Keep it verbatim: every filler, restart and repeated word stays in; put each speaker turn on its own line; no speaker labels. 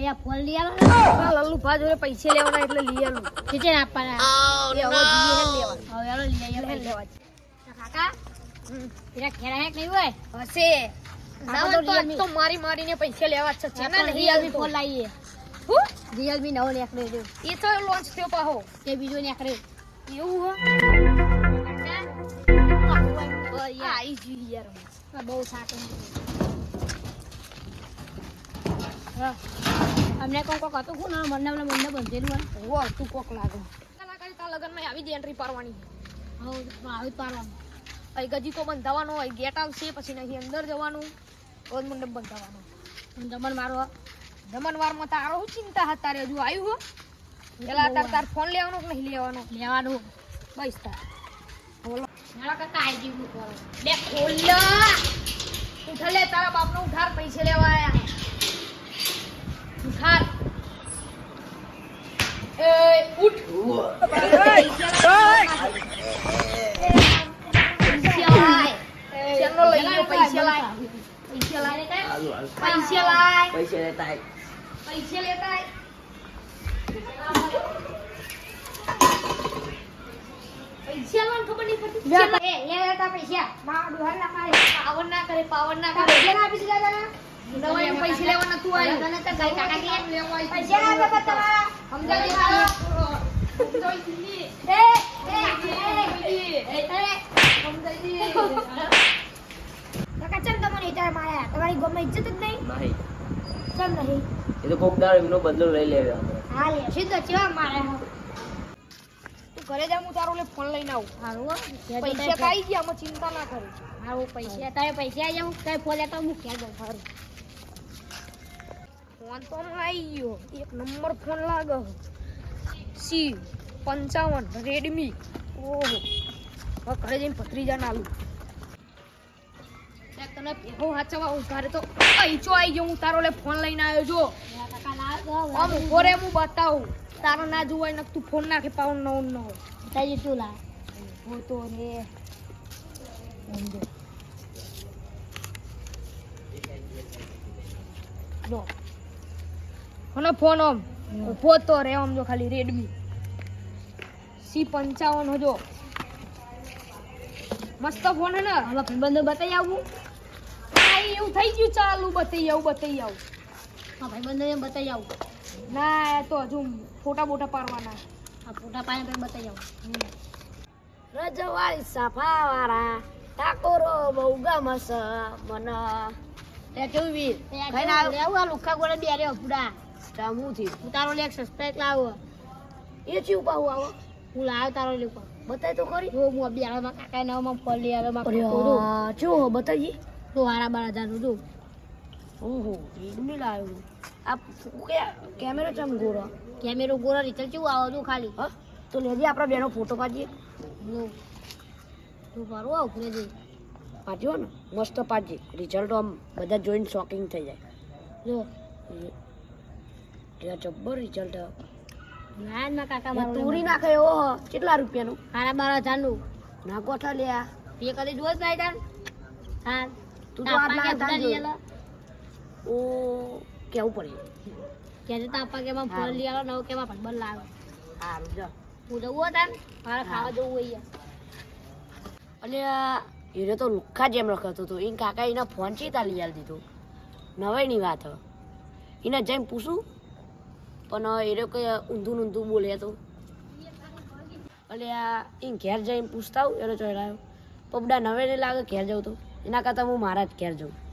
લે ફોન લઈ આલો
લલ્લુ ભા જોડે પૈસા લેવાના એટલે લઈ આલું
કેટલે આપવાના
એ હવે જીએ લેવા
હવે આલો લઈ આલો
લે લેવા
કાકા તેરા ખેરા હે નહીં હોય
હશે ના તો તો મારી મારીને પૈસા લેવા છે છે ને
રિયલમી ફોન લાવીએ
હું
રિયલમી નવો નીકળે જો
એ તો લોન્ચ થયો પાહો
તે બીજો નીકળે
એવું હો
કાકા
આઈ જી યાર
આ બહુ સાટો હા અમને કોક કોક હતું કોણ મને મને મને બંધેલું
હો તું કોક લાગે કલાકાર તા લગનમાં આવી જ એન્ટ્રી પાડવાની
હો આવી પાડવાનું
અહીં ગજી તો બંધાવાનો અહીં ગેટ આવશે પછી નહીં અંદર જવાનું રોજ મંડપ બંધાવાનો
જમણ મારો
જમણવારમાં તારો શું ચિંતા હતા તારે હજુ આવ્યું હો પેલા તાર તાર ફોન લેવાનો કે નહીં લેવાનો
લેવાનું
બસ તાર
મારા કાકા આઈ જીવ કરો
લે ખોલ્લા ઉઠા લે તારા બાપનો ઉઠાર પૈસા લેવા આયા ઉઠાર એ ઉઠ ચેનો લઈ લો પૈસા લાય પૈસા લાય પૈસા લાય
પૈસા લેતા
પૈસા લેતા પૈસા લાવ ખબર નહીં પડતી
એ લે લેતા પૈસા માં દુહાર ના મારે
પાવન ના કરે પાવન ના કરે
પૈસા ના આપી દીધા તને
નવાઈ પૈસા લેવા નતું આવ્યું
તને તો ગઈ કાકા કે
લેવા
પૈસા ના આપે તમારા
સમજાવી તારો સમજાવી દીધી
એ એ એ
સમજાવી
કાકા ચમ તમને ઇટાર માયા તમારી ગમે ઇજ્જત જ નહીં
નહીં
ચમ નહીં
એ તો કોક દાડો એનો બદલો લઈ લેવે આપણે
હા લે સીધો ચેવા મારે
તું ઘરે જા હું તારો લે ફોન લઈને આવું
હારું
પૈસા કાઈ ગયા આમાં ચિંતા ના કરે
હારું પૈસા તારે પૈસા આવી જાઉં તારે ફોન લેતા હું ક્યાં જાઉં હારું
ફોન તો આવી ગયો એક નંબર ફોન લાગે સી પંચાવન રેડમી ઓહો હવે ઘરે જઈને ભત્રીજા નાલું તને પેહો હાચવા ઉભારે તો પૈસો આવી ગયો હું તારો લે ફોન લઈને આવ્યો જો
કાકા ના
આમ ઉભો રે હું બતાવું તારો ના જોવાય ને તું ફોન નાખે પાઉન નો નો
તાજી તું લા
હો તો રે જો કોનો ફોન આમ ઉભો તો રે આમ જો ખાલી રેડમી સી પંચાવન હજો મસ્ત ફોન હે ને
હવે ભાઈબંધો બતાવી આવું
આ એવું થઈ ગયું ચાલુ બતાઈ આવું બતાઈ આવું
હા ભાઈબંધો એમ બતાવી આવું
ના એ તો હજુ ફોટા બોટા પાડવાના
આ ફોટા પાડે પછી બતાવી આવું
રજવાળી સાફાવાળા ઠાકોરો બહુ ગમસ મને તે કેવું વીર
ખાઈને આવું આ લુખા ગોળે બે રે પૂડા
સામુથી
હું તારો લેક સસ્પેક્ટ લાવો
એ ચીવ પાહુ આવો
હું લાવ તારો લેક
બતાય તો ખરી
જો હું બે આળમાં કાકા નામાં ફોન લઈ આવ્યો માં
અરે
કોડું
હા જો બતાઈ
તો હારા બાર હજાર નું જો
ઓહો રેડમી લાવ્યો આ કે કેમેરો ચમ ગોરો
કેમેરો ગોળા રિચલ કેવું આવો જો ખાલી
હા તો લેજે આપણા બેનો ફોટો પાડીએ
જો તું પાડો આવ ફરે જઈ
પાડ્યો ને મસ્ત પાડજે રિઝલ્ટ આમ બધા જોઈને શોકિંગ થઈ જાય
જો
ત્યાં જબ્બર રિઝલ્ટ
ના ના કાકા મારો
તૂરી નાખે એવો હ. કેટલા રૂપિયાનું
હારા બાર હજાર નું
ના ગોઠા લ્યા
પે કદી જોત નહીં તાન હા
તું તો આટલા હતા જ
લઈ આલો
ઓ કેવું પડે
કે જે તાપા કે માં ફોન લઈ આલો નવ કે માં પણ લાવે
સારું જા
હું જવું તાન મારે ખાવા જવું હોય
અને એને તો લુખ્ખા જેમ રખાતો હતો એ કાકા એના ફોન ચીતા લઈ આલી દીધો નવાઈની વાત હવે એને જઈને પૂછું પણ એ લોકો ઊંધું ઊંધું બોલે તો એટલે આ એ ઘેર જઈને પૂછતા આવું એનો ચડાયો પબડા નવે નહીં લાગે ઘેર જવું તો એના કરતાં હું મારા જ ઘેર જઉં